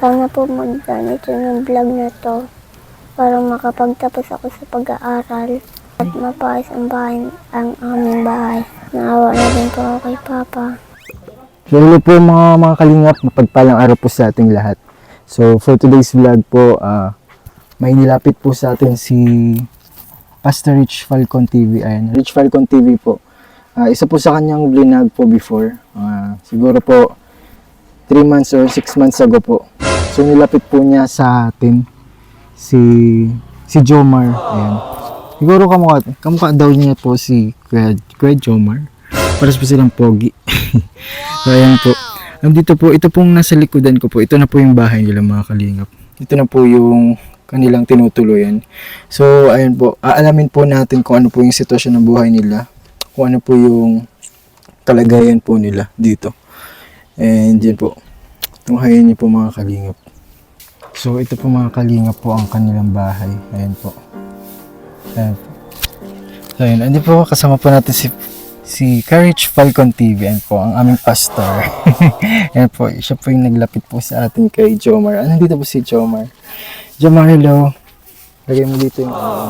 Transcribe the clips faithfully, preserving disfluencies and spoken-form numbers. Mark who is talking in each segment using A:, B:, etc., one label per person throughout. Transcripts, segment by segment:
A: Sana po mag-ganito ng vlog na to para makapagtapos ako sa pag-aaral at mapaayos ang bahay, ang aming bahay. Naawa na din po ako kay Papa.
B: So hello po mga mga kalingap, mapagpalang araw po sa ating lahat. So for today's vlog po, uh, may nilapit po sa atin si Pastor Rich Falcon T V. Ayan, Rich Falcon T V po. Uh, isa po sa kanyang vlog po before. Uh, siguro po three months or six months ago po. So nilapit po niya sa atin si si Jomar. Ayan. Siguro kamukha, kamukha daw niya po si Kuya, Kuya Jomar. Paras po silang pogi. So ayan po. Nandito po, ito pong nasa likodan ko po. Ito na po yung bahay nila mga kalingap. Ito na po yung kanilang tinutuloyan. So ayan po, aalamin po natin kung ano po yung sitwasyon ng buhay nila. Kung ano po yung kalagayan po nila dito. And yan po. Tunghayan niyo po mga kalingap. So ito po mga kalingap po ang kanilang bahay. Ayan po. Ayan po. So ayan, andi po kasama po natin si si Courage Falcon T V. Ayan po ang aming pastor. Ayan po, siya po yung naglapit po sa atin kay Jomar. Ah, nandito po si Jomar. Jomar, hello. Lagay mo dito yung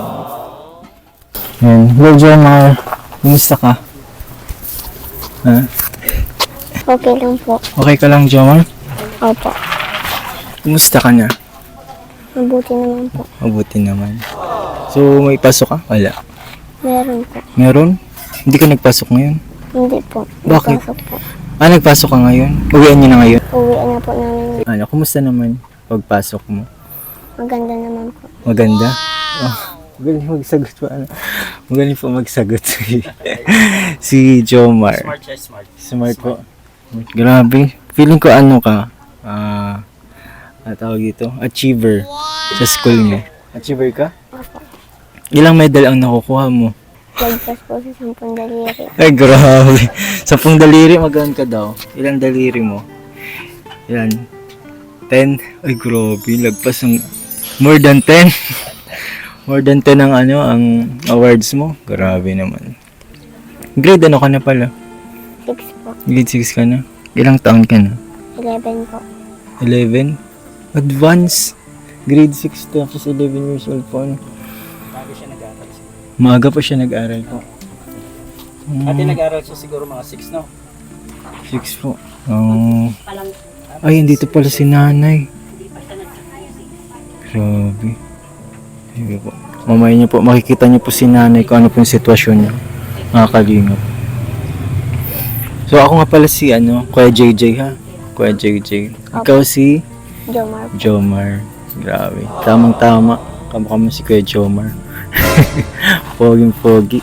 B: uh... ayan. Hello Jomar. Kumusta ka? Ha?
A: Okay lang po.
B: Okay ka lang Jomar?
A: Opo.
B: Kumusta ka na?
A: Mabuti naman po.
B: Mabuti naman. So, may pasok ka? Wala.
A: Meron po.
B: Meron? Hindi ka nagpasok ngayon?
A: Hindi po.
B: Bakit?
A: Nagpasok po.
B: Ah, nagpasok ka ngayon? Uwian niyo na ngayon?
A: Uwian na po namin.
B: Ano, kumusta naman pagpasok mo?
A: Maganda naman po.
B: Maganda? Oh, magaling magsagot pa. Ano? Magaling po magsagot si, si Jomar.
C: Smart siya, smart.
B: Smart po. Grabe. Feeling ko ano ka? Ah, uh, tawag ito? Achiever sa school mo. Achiever ka?
A: Opo.
B: Ilang medal ang nakukuha mo?
A: Lagpas po sa sampung daliri.
B: Ay, grabe. Sampung daliri, magkano ka daw? Ilang daliri mo? Ilan? Ten? Ay, grabe. Lagpas ng more than ten. More than ten ang ano, ang awards mo. Grabe naman. Grade ano ka na pala?
A: Six po.
B: Grade six ka na? Ilang taon ka na?
A: Eleven po.
B: eleven? Advance? Grade six tapos eleven years old po. Ano?
C: Bago siya nag-aaral.
B: Maaga pa siya nag-aral po.
C: Ate nag-aaral siya siguro mga six, no?
B: six po. Oh. Ay, andito pala si nanay. Grabe. Sige po. Mamaya niyo po, makikita niyo po si nanay kung ano po yung sitwasyon niya. Mga kalingap. So ako nga pala si ano, Kuya J J ha? Kuya J J. Ikaw si
A: Jomar po.
B: Jomar. Grabe. Tamang tama. Kamukha mo si Kuya Jomar. Poging pogi.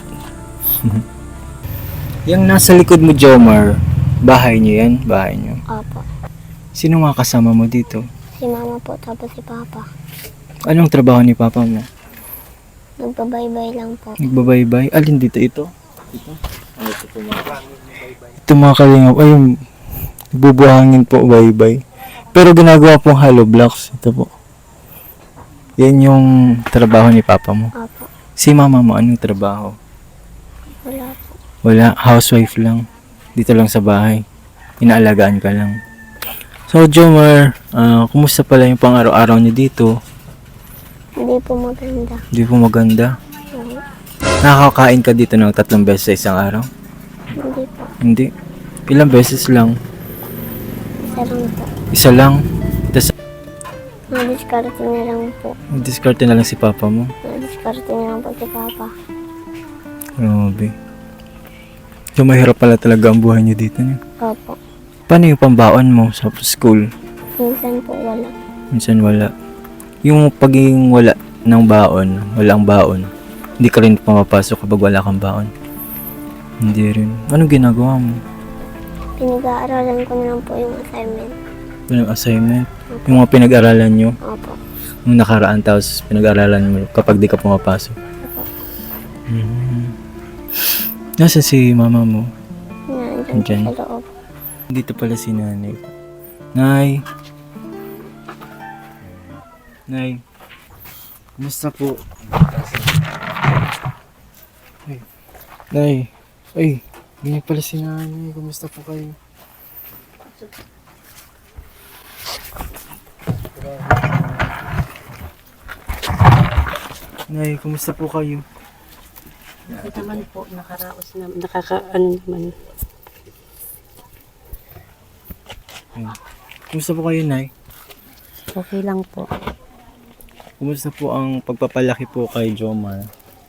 B: Yung nasa likod mo Jomar, bahay niyo yan? Bahay niyo.
A: Opo.
B: Sino nga kasama mo dito?
A: Si Mama po tapos si Papa.
B: Anong trabaho ni Papa mo?
A: Nagbabaybay lang po.
B: Nagbabaybay? Alin dito ito? Ito? Ano ito po mga? Ito mga kalingap. Ay, bubuhangin po baybay. Pero ginagawa pong hollow blocks. Ito po. Yan yung trabaho ni Papa mo.
A: Opo.
B: Si Mama mo, anong trabaho?
A: Wala po.
B: Wala, housewife lang. Dito lang sa bahay. Inaalagaan ka lang. So, Jomar, uh, kumusta pala yung pang araw-araw niyo dito?
A: Hindi po maganda.
B: Hindi po maganda.
A: Oo.
B: Nakakain ka dito ng tatlong beses sa isang araw?
A: Hindi po.
B: Hindi. Ilang beses lang?
A: Isa lang po.
B: Isa lang? Tapos,
A: Madiskarte na lang po.
B: discard na lang si Papa mo.
A: Madiskarte na lang po si Papa.
B: Grabe. So, mahirap pala talaga ang buhay niyo dito. Niyo.
A: Opo.
B: Paano yung pambaon mo sa school?
A: Minsan po wala.
B: Minsan wala. Yung pagiging wala ng baon, walang baon, hindi ka rin pumapasok kapag wala kang baon. Hindi rin. Anong ginagawa mo?
A: Pinag-aaralan ko na lang po yung assignment.
B: Yung assignment? Yung mga pinag-aralan nyo?
A: Opo.
B: Yung nakaraan tapos pinag-aralan mo kapag di ka pumapasok?
A: Opo.
B: Hmm. Nasaan si mama mo?
A: Nandiyan
B: Andyan.
A: po sa loob.
B: Dito pala si nanay. Nay! Nay! Kumusta po? Ay. Nay! Ay! Ganyan pala si nanay. Kumusta po kayo? Nay, kumusta po kayo?
D: Ito naman po, nakaraos na, nakaka, ano naman.
B: Ayun. Kumusta po kayo, Nay?
D: Okay lang po.
B: Kumusta po ang pagpapalaki po kay Jomar?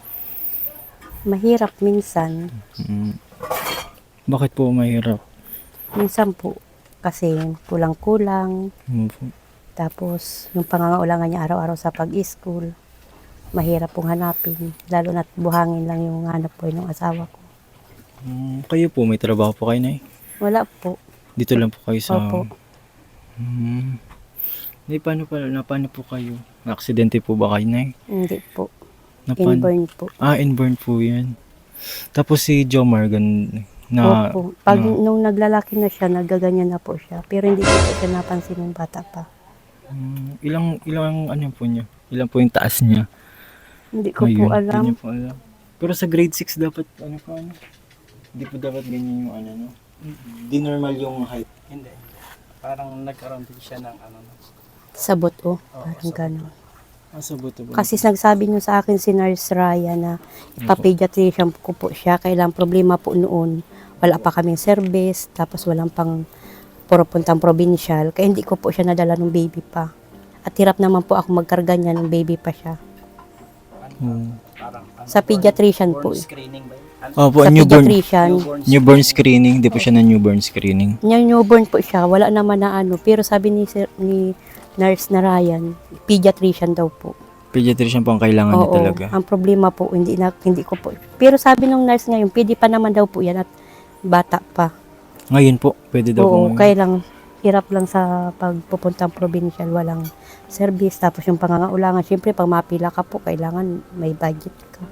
D: Mahirap minsan.
B: Mm. Bakit po mahirap?
D: Minsan po, kasi kulang-kulang.
B: Ano po?
D: Tapos, yung pangangailangan niya araw-araw sa pag-school, mahirap pong hanapin. Lalo na't buhangin lang yung hanap po ng asawa ko.
B: Mm, kayo po, may trabaho po kayo, Nay?
D: Wala po.
B: Dito lang po kayo sa...
D: Opo.
B: Hmm. Nay, paano pa, na paano po kayo? Na-aksidente po ba kayo, Nay?
D: Hindi po.
B: Na paano-
D: Inborn po.
B: Ah, inborn po yan. Tapos si Jomar, gan, na...
D: Opo. Pag
B: na-
D: nung naglalaki na siya, nagaganyan na po siya. Pero hindi ko po siya napansin ng bata pa.
B: Hmm, ilang, ilang ano po niya? Ilang po yung taas niya?
D: Hindi ko
B: Ayun,
D: po alam.
B: hindi niyo po alam. Pero sa grade six dapat, ano po, ano? Hindi po dapat ganyan yung ano, no? Di normal yung height.
C: Hindi. Parang nagkaroon din siya ng ano. no?
D: Sabot o.
C: Oo,
D: Parang
C: sabot.
D: gano'n.
B: Ah, sa buto po.
D: Kasi nagsabi niyo sa akin si Nurse Raya na ipapediatrician ko po siya. Kailang problema po noon. Wala pa kaming service. Tapos walang pang puro puntang provincial. Kaya hindi ko po siya nadala ng baby pa. At hirap naman po ako magkarga niya ng baby pa siya.
B: Hmm.
C: Parang ano,
D: Sa pediatrician
C: born
D: po. eh.
C: screening ba yun? Ano?
B: Oh, po,
D: Sa
B: newborn,
D: pediatrician.
C: Newborn
B: newborn screening. Hindi po siya na newborn screening.
D: Niya newborn po siya. Wala naman na ano. Pero sabi ni, sir, ni Nurse na Ryan, pediatrician daw po.
B: Pediatrician po ang kailangan niya
D: Oo,
B: talaga.
D: ang problema po, hindi, na, hindi ko po. Pero sabi nung nurse ngayon, pwede pa naman daw po yan at bata pa.
B: Ngayon po, pwede daw po.
D: Oo,
B: ngayon.
D: kaya lang, hirap lang sa pagpupuntang provincial, walang service. Tapos yung pangangailangan, syempre pag mapila ka po, kailangan may budget ka.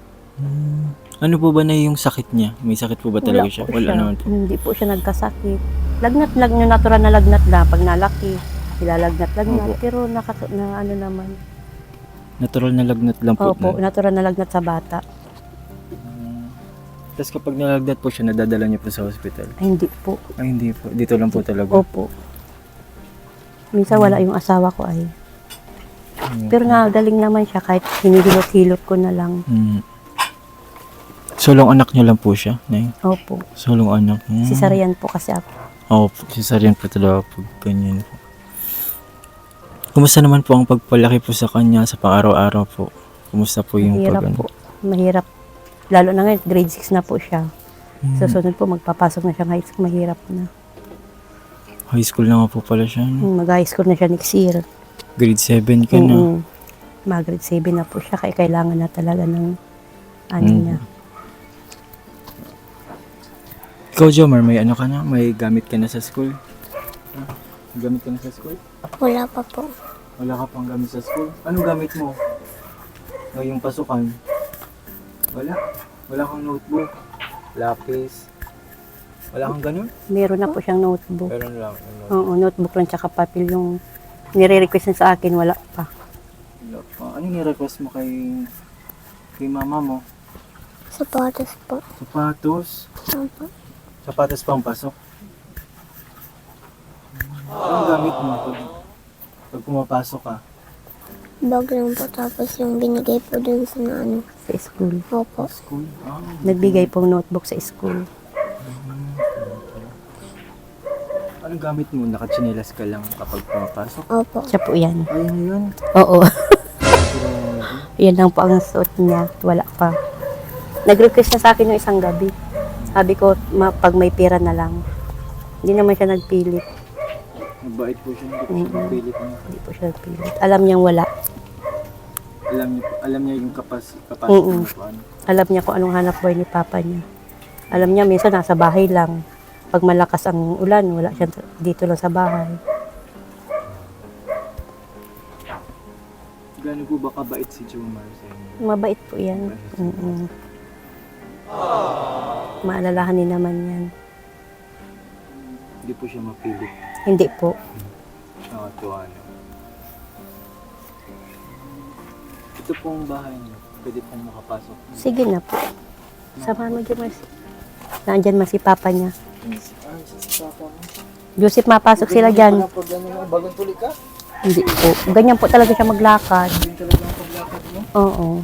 B: Ano po ba na yung sakit niya? May sakit po ba talaga siya?
D: po
B: Wala
D: siya.
B: naman po.
D: Hindi po siya nagkasakit. Lagnat lang, yung natural na lagnat na, pag nalaki, nilalagnat-lagnat.
B: Opo.
D: Pero naka, na ano naman.
B: Natural na lagnat lang po.
D: Opo,
B: na.
D: natural na lagnat sa bata.
B: Tapos kapag nalagnat po siya, nadadala niyo po sa hospital.
D: Ay, hindi po.
B: Ay, hindi po. Dito lang po talaga.
D: Opo. Minsan wala yung asawa ko ay.
B: Hmm.
D: Pero nagaling naman siya kahit hinihilot-hilot ko na lang.
B: Hmm. Solong anak niyo lang po siya, Nay?
D: Opo.
B: Solong anak. Hmm.
D: Cesarean po kasi ako.
B: Oo, po, cesarean po talaga pag ganyan po. Kumusta naman po ang pagpalaki po sa kanya sa pang-araw-araw po? Kumusta po yung
D: Mahirap
B: pag
D: po. Mahirap. Lalo na ngayon, grade six na po siya.
B: Hmm.
D: Sa sunod po, magpapasok na siya ng high school. Mahirap na.
B: High school na nga po pala siya. no?
D: Mag-high school na siya next year.
B: Grade seven ka na.
D: Mm-mm. Mag-grade seven na po siya. Kaya kailangan na talaga ng ano
B: Mm.
D: niya.
B: Ikaw, Jomar, may ano ka na? May gamit ka na sa school? Ah, may gamit ka na sa school?
A: Wala pa po.
B: Wala ka pang gamit sa school? Anong gamit mo? Ngayong pasukan? Wala? Wala kang notebook? Lapis? Wala kang ganun?
D: Meron na po siyang notebook.
B: Meron lang. Ano?
D: Oo, notebook lang tsaka papel yung nire-request niya sa akin. Wala pa.
B: Wala pa. Ano ni-request mo kay kay mama mo?
A: Sapatos po.
B: Sapatos?
A: Opo.
B: Sapatos pang pasok? Anong gamit mo pag, pag pumapasok ka?
A: Bag lang po tapos yung binigay po dun sa na ano.
D: Sa school.
A: Opo.
B: School? Ah,
D: Nagbigay pong notebook sa school.
B: anong gamit mo? Nakachinelas ka lang kapag pumapasok?
A: Opo.
D: Siya po yan.
B: Ayun yun.
D: Oo.
B: Grabe.
D: Yan lang po ang suot niya. Wala pa. Nag-request na sa akin yung isang gabi. Sabi ko, ma- pag may pera na lang. Hindi naman siya nagpilit.
B: Mabait po siya. Hindi po siya
D: Mm-mm.
B: napilit niya.
D: Hindi po siya nagpilit. Alam niyang wala.
B: Alam niya, alam niya yung kapas, kapasok
D: Mm-mm.
B: mo paano.
D: Alam niya kung anong hanap buhay ni papa niya. Alam niya, minsan nasa bahay lang. Pag malakas ang ulan, wala siya dito lang sa bahay.
B: Gano'n po ba kabait si Jomar sa inyo?
D: Mabait po yan. Mm-mm. Maalalahanin naman yan.
B: Hindi po siya mapilit.
D: Hindi po.
B: Nakatuwa na. Ito pong bahay niyo. Pwede pong makapasok.
D: Sige na po. Samahan mo dyan, Marcy. Nandyan man si papa niya.
B: Ah, si Papa mo.
D: Joseph, mapasok sila dyan.
B: Pag ano, bagong tuli ka?
D: Hindi po. Ganyan po talaga siya maglakad.
B: Yun talaga ang paglakad mo.
D: Oo.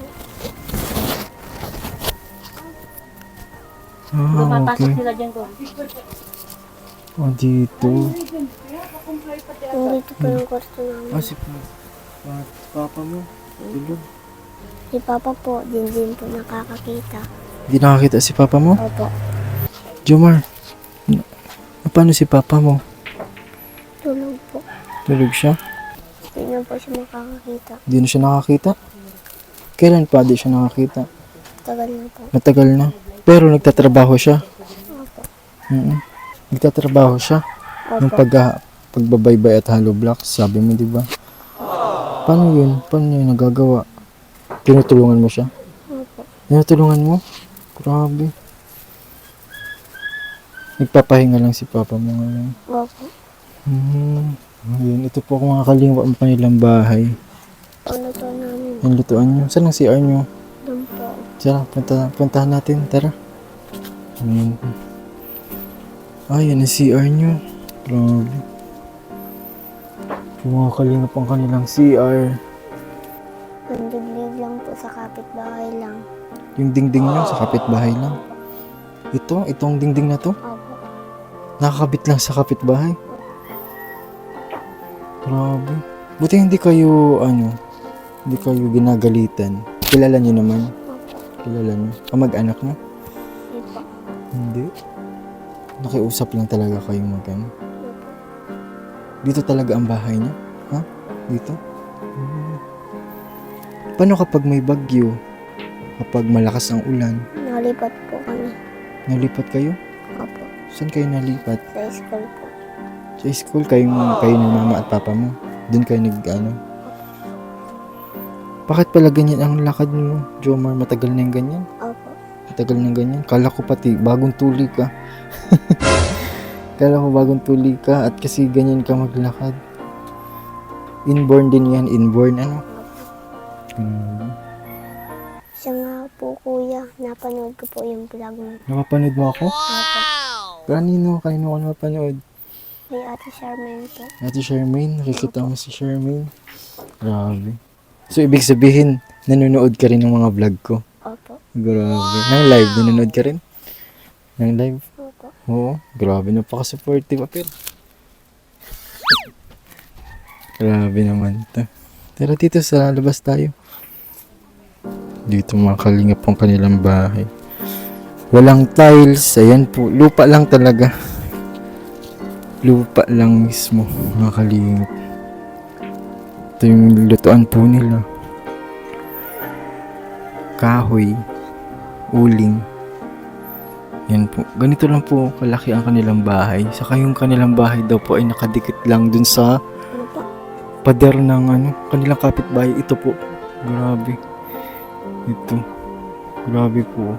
B: Ah, okay.
D: sila dyan ko.
B: Oh, dito.
A: Nandito po yung kwarto namin.
B: Ah, si pa- pa- papa mo. Tulog.
A: Si Papa po, din din po nakakakita.
B: Hindi nakakita si papa mo?
A: Opo.
B: Jomar, na- paano si papa mo?
A: Tulog po.
B: Tulog siya?
A: Hindi na po siya makakakita.
B: Hindi na siya nakakita? Kailan pa di siya nakakita?
A: Tagal na po.
B: Matagal na. Pero nagtatrabaho siya.
A: Opo.
B: Mm Nagtatrabaho siya. Yung
A: Opo.
B: pag, pagbabaybay at hollow blocks, sabi mo, di ba? Paano yun? Paano niya nagagawa? Tinutulungan mo siya?
A: Opo.
B: Tinutulungan mo? Grabe. Nagpapahinga lang si papa mo ngayon.
A: Opo.
B: Hmm. Ayun, ito po mga kalingwa ang panilang bahay.
A: Ano to namin?
B: Yung lutuan nyo. Saan ang C R nyo?
A: Doon po.
B: Tara, punta, puntahan natin. Tara. Ayun. Ah, yan ang C R nyo. Grabe. Yung mga kalingap ang kanilang C R.
A: Nandiglig lang po sa kapitbahay lang.
B: Yung dingding nyo sa kapitbahay lang. Ito, itong dingding na to.
A: Opo.
B: Nakakabit lang sa kapitbahay. Grabe. Buti hindi kayo, ano, hindi kayo ginagalitan. Kilala nyo naman.
A: Opo.
B: Kilala nyo. Kamag-anak nyo.
A: Hindi po.
B: Hindi. Nakiusap lang talaga kayo mag-ano.
A: Opo.
B: Dito talaga ang bahay niya? Ha? Dito? Hmm. Paano kapag may bagyo? Kapag malakas ang ulan?
A: Nalipat po kami.
B: Nalipat kayo?
A: Opo.
B: Saan kayo nalipat?
A: Sa school po.
B: Sa school, kayong, kayo ng mama at papa mo? Doon kayo nag, ano? Bakit pala ganyan ang lakad mo, Jomar? Matagal na yung ganyan?
A: Opo.
B: Matagal na ganyan? Kala ko pati, bagong tuli ka. Kala ko bagong tuli ka at kasi ganyan ka maglakad. Inborn din yan, inborn ano? Hmm.
A: Siya nga po kuya, napanood ko po yung vlog mo.
B: Napapanood mo ako?
A: Opo.
B: Kanino? Kanino ka napapanood?
A: Kay Ate Charmaine po.
B: Ate Charmaine? Nakikita mo si Charmaine? Grabe. So, ibig sabihin, nanonood ka rin ng mga vlog ko?
A: Opo.
B: Grabe. Nang live, nanonood ka rin? Nang live?
A: Opo.
B: Oo. Grabe, napaka-supportive. Apir. Grabe naman to. Tara dito sa labas tayo. Dito mga kalingap ang kanilang bahay. Walang tiles. Ayan po. Lupa lang talaga. Lupa lang mismo. Mga kalingap. Ito yung lutuan po nila. Kahoy. Uling. Yan po. Ganito lang po kalaki ang kanilang bahay. Saka yung kanilang bahay daw po ay nakadikit lang dun sa
A: Ano po?
B: pader ng ano, kanilang kapitbahay. Ito po. Grabe. Ito. Grabe po.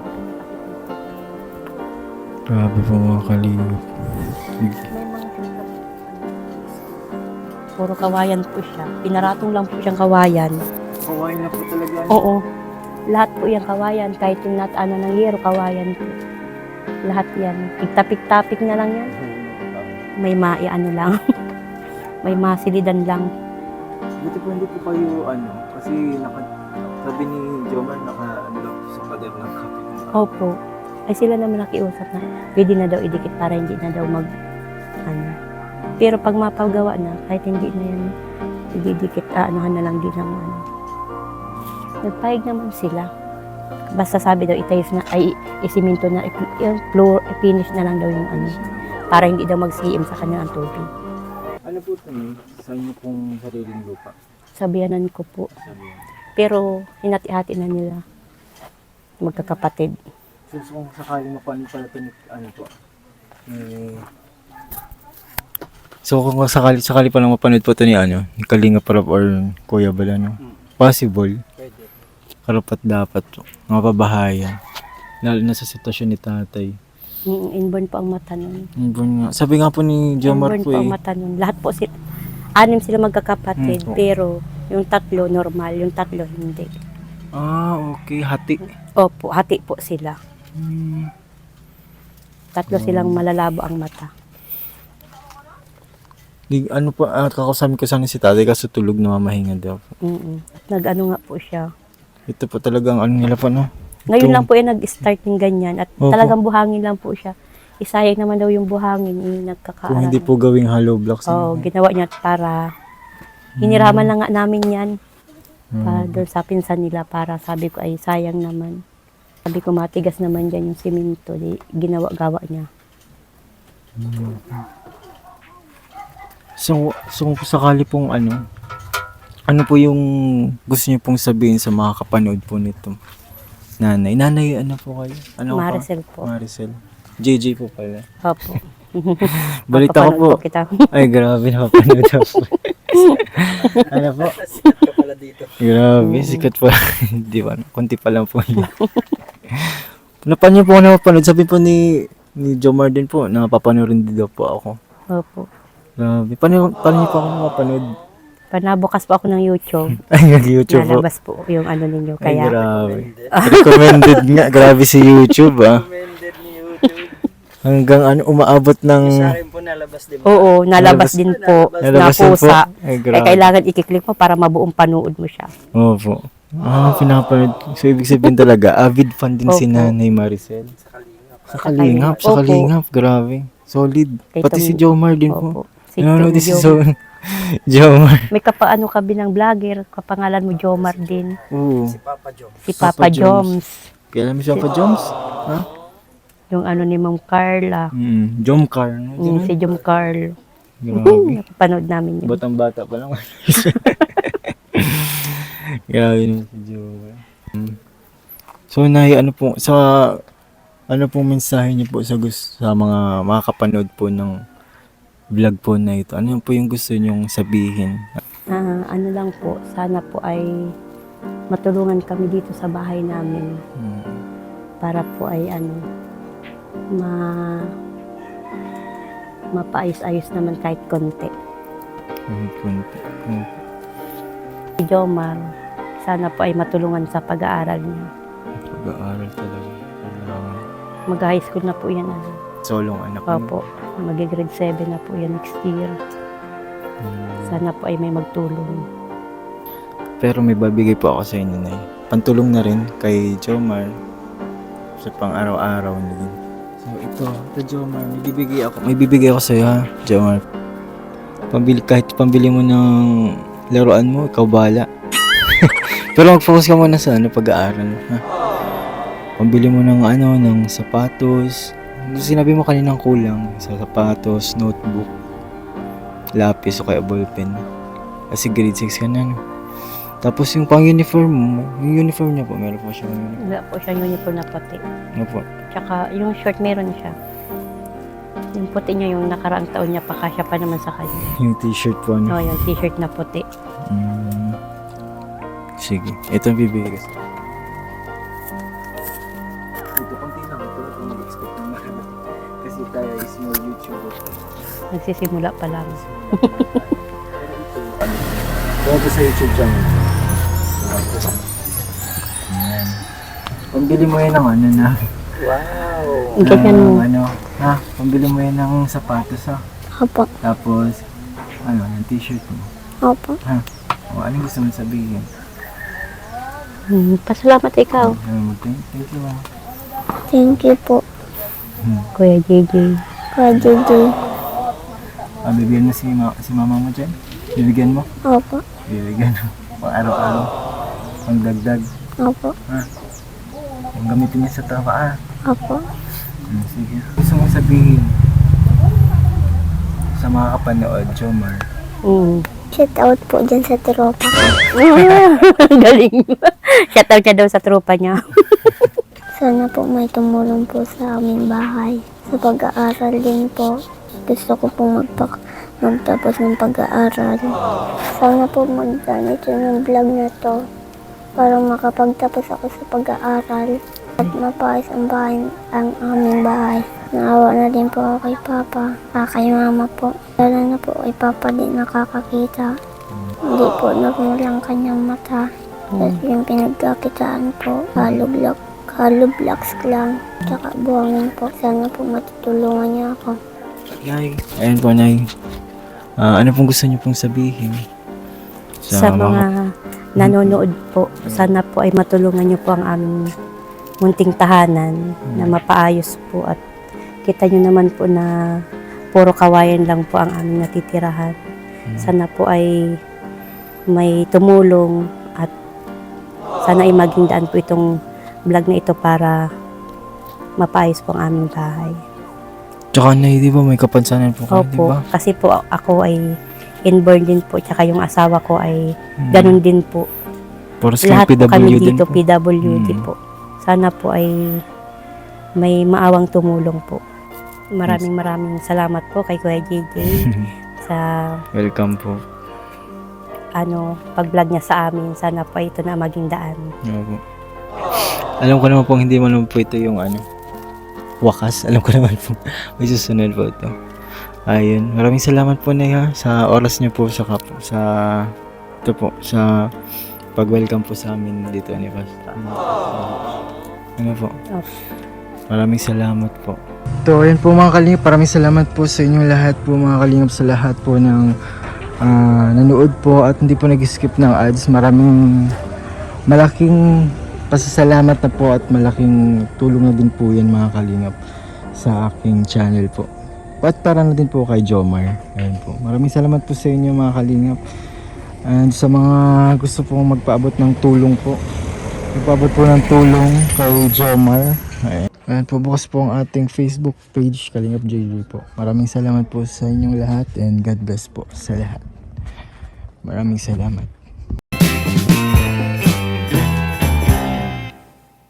B: Grabe po mga kalingap.
D: May mga puro kawayan po siya. Pinaratong lang po siyang kawayan.
B: Kawain na po talaga.
D: Oo. Lahat po yung kawayan. Kahit yung nat ano ng yero, kawayan po. Lahat yan. Pigtapik-tapik na lang yan. May mai ano lang. May masilidan lang.
B: Buti po hindi po kayo ano, kasi naka, sabi ni Jomar naka ano lang po sa pader ng kapitbahay.
D: Opo. Ay sila naman nakiusap na pwede na daw idikit para hindi na daw mag ano. Pero pag mapagawa na, kahit hindi na yan ididikit, ah, anuhan na lang din ng ano. Nagpahig naman sila. Basta sabi daw itayos na, ay isiminto na, i- yung floor, i-finish na lang daw yung ano. Para hindi daw mag-C M sa kanya ang tubig.
B: Ano po ito eh? Sa inyo pong sariling lupa?
D: Sabihanan ko po.
B: Sabi yan.
D: Pero hinati-hati na nila. Magkakapatid.
B: So, so kung sakali mapanin pala ito, ano po? Eh, so kung sakali, sakali pa lang mapanood po ito ni ano, ni Kalinga Parap or Kuya Balano, possible,
C: Pwede.
B: karapat dapat, mga pabahayan. Lalo na sa sitwasyon ni tatay.
D: Mm, inborn po ang mata nun.
B: Inborn nga. Sabi nga po ni Jomar
D: Inborn
B: po
D: po ang
B: eh.
D: mata nun. Lahat po sila, anim sila magkakapatid.
B: Mm, po.
D: Pero yung tatlo normal, yung tatlo hindi.
B: Ah, okay. Hati.
D: Opo, hati po sila.
B: Hmm.
D: Tatlo silang malalabo ang mata.
B: Di, ano po, ah, kakausapin ko sana si tatay kasi tulog na mamahinga daw.
D: Mm-mm. Nag-ano nga po siya.
B: Ito po talagang ano nila po, no?
D: Ngayon
B: Ito.
D: lang po yung nag-start ng ganyan at
B: Opo.
D: talagang buhangin lang po siya. Isayang naman daw yung buhangin, yung
B: Kung
D: nagkakaaral.
B: hindi po gawing hollow blocks.
D: Oo,
B: ano?
D: ginawa niya para, hiniraman lang nga namin yan.
B: Hmm.
D: Para doon sa pinsan nila, para sabi ko ay sayang naman. Sabi ko matigas naman dyan yung simento, di, ginawa-gawa niya.
B: So, so kung sakali pong ano, ano po yung gusto niyo pong sabihin sa mga kapanood po nito? Nanay, nanay, ano po kayo? Ano ka?
D: Maricel po.
B: Maricel. J J po pala.
D: Opo.
B: Balita ko po.
D: Mapapanood kita.
B: Ay, grabe, napapanood ako. Ano po?
C: Sikat ka pala dito.
B: Grabe, sikat po. Hindi ba? Kunti pa lang po yun. Napan niyo po ako napapanood. Sabi po ni, ni Jomar din po, napapanood din daw po ako.
D: Opo.
B: Grabe. Paano, paano niyo po ako napapanood?
D: Panabukas po ako ng YouTube.
B: Ay, nag-YouTube po.
D: Nalabas po yung ano ninyo.
B: Ay,
D: Kaya,
B: grabe. Recommended nga. Grabe si YouTube, ah.
C: Recommended ni YouTube.
B: Hanggang ano, umaabot ng...
C: Sa akin po nalabas, di ba?
D: oo,
B: Nalabas-
D: nalabas din po.
B: Nalabas din po.
D: Napusa.
B: Ay,
D: Kaya
B: grabe.
D: kailangan ikiklik mo para mabuong panood mo siya.
B: Opo. Ah, pinapanood. So, ibig sabihin talaga, avid fan din si
D: Opo.
B: Nanay Maricel.
C: Sa kalingap.
B: Sa Kalingap, sa
D: Opo.
B: Kalingap. Grabe. Solid.
D: Kay
B: Pati
D: Tom-
B: si Jomar din po.
D: Opo. Si
B: Nanonood din si
D: Jom-
B: so Jomar.
D: May kapaano ka binang vlogger, kapangalan mo Jomar din.
B: Oo.
C: Si Papa Joe.
D: Si
B: Papa
D: Papa,
B: Joms.
D: Joms.
B: Kailan mo siya pa, Joms? Ha?
D: Yung ano ni Ma'am Carla.
B: Hmm. Jomcar. No?
D: Mm, si Jom Carl.
B: Grabe.
D: Napapanood namin yun.
B: Batang bata pa lang. Grabe naman si Jomar. Hmm. So, Nay, ano po, sa, ano pong mensahe niyo po sa, gus- sa mga makakapanood po ng vlog po na ito? Ano po yung gusto niyong sabihin?
D: Ah, ano lang po, sana po ay matulungan kami dito sa bahay namin
B: Hmm.
D: para po ay ano, ma mapaayos-ayos naman kahit konti.
B: Kahit konti. Hmm.
D: Si Jomar, sana po ay matulungan sa pag-aaral niya.
B: Pag-aaral talaga. Kailangan.
D: Mag-high school na po yan. Ano.
B: Solong anak mo.
D: Opo, mag-grade seven na po yan next year.
B: Hmm.
D: Sana po ay may magtulong.
B: Pero may babigay po ako sa inyo, Nay. Pantulong na rin kay Jomar sa pang araw-araw na din. So ito, ito Jomar, may bibigay ako. May bibigay ako sa iyo, ha, Jomar. Pambili, kahit pambili mo ng laruan mo, ikaw bahala. Pero mag-focus ka muna sa ano, pag-aaral, ha. Pambili mo ng ano, ng sapatos. Sinabi mo kaninang kulang sa sapatos, notebook, lapis o kaya ballpen. Kasi grade six ka na, no? Tapos yung pang uniform mo, yung uniform niya po, meron po siya uniform.
D: Wala po siyang uniform na puti.
B: Ano po?
D: Tsaka yung short meron siya. Yung puti niya yung nakaraang taon niya pa, kasya pa naman sa kanya.
B: Yung t-shirt po,
D: No,
B: ano?
D: yung t-shirt na puti.
B: Mm. Sige, ito ang bibigay ko sa ito, konti lang. Ito ako mag-expect ng marami. Kasi tayo is small YouTuber.
D: Nagsisimula pa lang.
B: Kaya ito sa YouTube channel. Ayan. Pambili mo yan ng ano na.
C: Wow.
D: Ganyan
B: ng
D: mo.
B: ano. Ha? Pambili mo yan ng sapatos, ha?
A: Opo,
B: Tapos, ano, yung t-shirt mo.
A: opo.
B: Ha? O, ano gusto mo sabihin?
D: Hmm, pasalamat ikaw,
B: Um, thank, thank you, ah.
A: Thank you po,
D: Kuya J J.
A: Kuya J J.
B: Ah, bibigyan mo si, ma- si mama mo dyan? Bibigyan mo?
A: Opo,
B: Bibigyan mo. Pang araw-araw. Pang dagdag.
A: opo,
B: Yung gamitin niya sa trabaho.
A: opo.
B: Hmm, sige. Gusto mong sabihin sa mga kapanood, Jomar?
D: Mm.
A: Shout out po dyan sa tropa ko.
D: Galing. Shoutout niya daw sa tropa niya.
A: Sana po may tumulong po sa aming bahay. Sa pag-aaral din po. Gusto ko pong magpak magtapos ng pag-aaral. Sana po mag-ganit yung vlog na to para makapagtapos ako sa pag-aaral at mapayos ang bahay, ang aming bahay. Naawa na din po ako kay Papa, ah, kay Mama po. Lalo na po kay Papa din nakakakita. Hindi po nagulang kanyang mata. Tapos yung pinagkakitaan po, kalublak, kalublaks lang. Tsaka buhangin po. Sana po matutulungan niya ako.
B: Nay. Ayan po, Nay. Ah, ano pong gusto niyo pong sabihin?
D: Sa mga nanonood po. Sana po ay matulungan niyo po ang aming munting tahanan na mapaayos po at kita niyo naman po na puro kawayan lang po ang aming natitirahan. Sana po ay may tumulong at sana ay maging daan po itong vlog na ito para mapaayos po ang aming bahay.
B: Tsaka na, di ba, may kapansanan po kayo, di
D: Opo,
B: ba?
D: kasi po ako ay inborn din po, tsaka yung asawa ko ay
B: Hmm.
D: ganun din po.
B: Para sa
D: Lahat po kami
B: P W din
D: dito,
B: po.
D: P W D
B: Hmm.
D: po. Sana po ay may maawang tumulong po. Maraming maraming salamat po kay Kuya J J sa
B: Welcome po.
D: ano pag-vlog niya sa amin. Sana po ito na maging daan.
B: Opo. Alam ko naman po, hindi man naman po ito yung ano, wakas. Alam ko naman po, may susunod po ito. Ayun, maraming salamat po na sa oras niyo po sa kapo, sa ito po, sa pag-welcome po sa amin dito ni Pastor. Ano po?
D: Okay.
B: Maraming salamat po. So, ayun po mga kalingap, maraming salamat po sa inyong lahat po mga kalingap, sa lahat po ng ah, nanood po at hindi po nag-skip ng ads. Maraming malaking pasasalamat na po at malaking tulong na din po yan mga kalingap sa aking channel po. At para na din po kay Jomar. Ayun po. Maraming salamat po sa inyo mga kalingap. And sa mga gusto pong magpaabot ng tulong po, magpaabot po ng tulong kay Jomar. Ayan. Ayan po, bukas po ang ating Facebook page, Kalingap J J po. Maraming salamat po sa inyong lahat and God bless po sa lahat. Maraming salamat.